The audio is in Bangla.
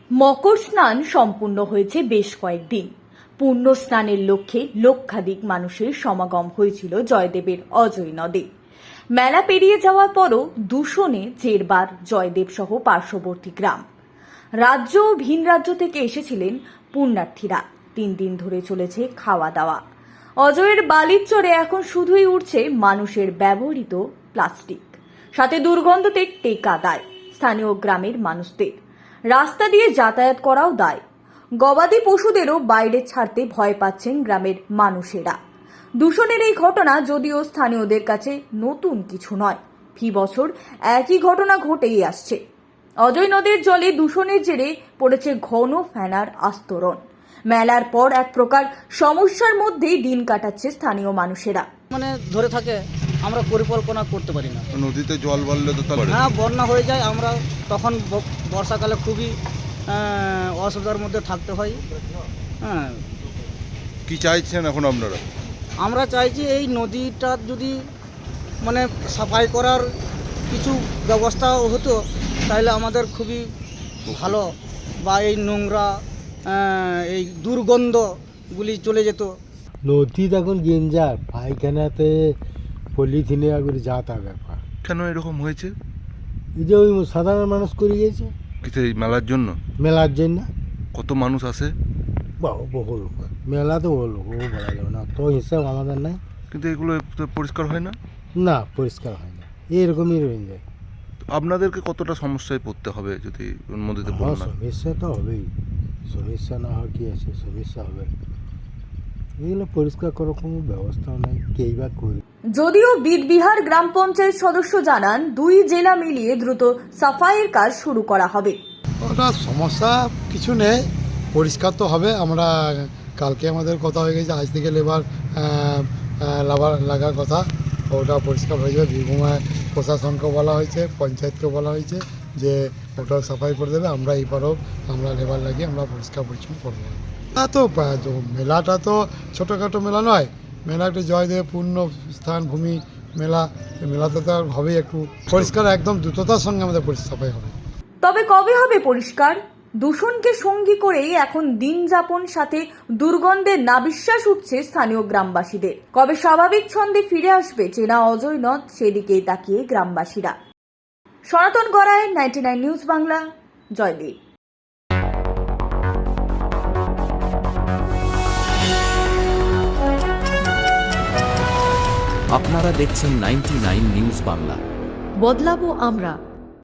মকর স্নান সম্পূর্ণ হয়েছে বেশ কয়েকদিন। পূর্ণ স্নানের লক্ষ্যে লক্ষাধিক মানুষের সমাগম হয়েছিল জয়দেবের অজয় নদে। মেলা পেরিয়ে যাওয়ার পরও দূষণে জেরবার জয়দেব সহ পার্শ্ববর্তী গ্রাম, রাজ্য ও ভিন রাজ্য থেকে এসেছিলেন পুণ্যার্থীরা। 3 দিন ধরে চলেছে খাওয়া দাওয়া। অজয়ের বালির চরে এখন শুধুই উঠছে মানুষের ব্যবহৃত প্লাস্টিক, সাথে দুর্গন্ধতে টেকা দায় স্থানীয় গ্রামের মানুষদের। রাস্তা দিয়ে যাতায়াত করাও দায়। গবাদি পশুদেরও বাইরে ছাড়তে ভয় পাচ্ছেন গ্রামের মানুষেরা। দূষণের এই ঘটনা যদিও স্থানীয়দের কাছে নতুন কিছু নয়, ফি বছর একই ঘটনা ঘটেই আসছে। অজয় নদের জলে দূষণের জেরে পড়েছে ঘন ফেনার আস্তরণ। মেলার পর এক প্রকার সমস্যার মধ্যেই দিন কাটাচ্ছে স্থানীয় মানুষেরা। ধরে থাকে, আমরা পরিকল্পনা করতে পারি না। নদীতে জল বাড়লে তো হ্যাঁ, বন্যা হয়ে যায়। আমরা তখন বর্ষাকালে খুবই অসুবিধার মধ্যে থাকতে হয়। হ্যাঁ, কি চাইছেন এখন আপনারা? আমরা চাইছি এই নদীটা যদি সাফাই করার কিছু ব্যবস্থা হতো তাহলে আমাদের খুবই ভালো, বা এই নোংরা এই দুর্গন্ধগুলি চলে যেত। নদী এখন গেঞ্জার পায়খানাতে পলিথিনে করে যাতা ব্যাপার। কেন এরকম হয়েছে? এই যে ওই সাধারণ মানুষ করে গিয়েছে কিছু এই মেলার জন্য। মেলার জন্য কত মানুষ আসে? বহু লোক, মেলা তো বহু লোক, ও বলা যাবে না, তো হিসাব আমাদের নাই। কিন্তু এগুলো তো পরিষ্কার হয় না। না, পরিষ্কার হয় না, এরকমই রয়ে যায়। আপনাদেরকে কতটা সমস্যায় পড়তে হবে যদি নদীতে বন্যা? সমস্যা তো হবেই, সমস্যা না হয় কি আছে, সমস্যা হবে। এগুলো পরিষ্কার করার কোনো ব্যবস্থাও নেই, কেই বা করি। যদিও বিদবিহার গ্রাম পঞ্চায়েত সদস্য জানান 2 জেলা মিলিয়ে দ্রুত সাফাইয়ের কাজ শুরু করা হবে। ওটা সমস্যা কিছু নেই, পরিষ্কার তো হবে। আমরা কালকে আমাদের কথা হয়ে গেছে, আজ থেকে লেবার লাগার কথা, ওটা পরিষ্কার হয়ে যাবে। বীরভূমের প্রশাসনকে বলা হয়েছে, পঞ্চায়েতকে বলা হয়েছে যে ওটা সাফাই করে দেবে। আমরা এবারও আমরা লেবার লাগিয়ে আমরা পরিষ্কার পরিচ্ছন্ন করবো। তা তো মেলাটা তো ছোটোখাটো মেলা নয়, মেলা একটা জয়দেব পূর্ণ স্থান ভূমি মেলা। মেলাতে তো হবেই একটু পরিষ্কার, একদম দ্রুততার সঙ্গে আমাদের সাফাই হবে। তবে কবে হবে পরিষ্কার? দূষণকে সঙ্গী করেই এখন দিন যাপন, সাথে দুর্গন্ধের নাবিশ্বাস উঠছে স্থানীয় গ্রামবাসীদের। কবে স্বাভাবিক ছন্দে ফিরে আসবে চেনা অজয় নদ, সেদিকেই তাকিয়ে গ্রামবাসীরা। সনাতন গড়াই, 99 নিউজ বাংলা, জয়দেব। আপনারা দেখছেন 99 নিউজ বাংলা। বদলাবো আমরা।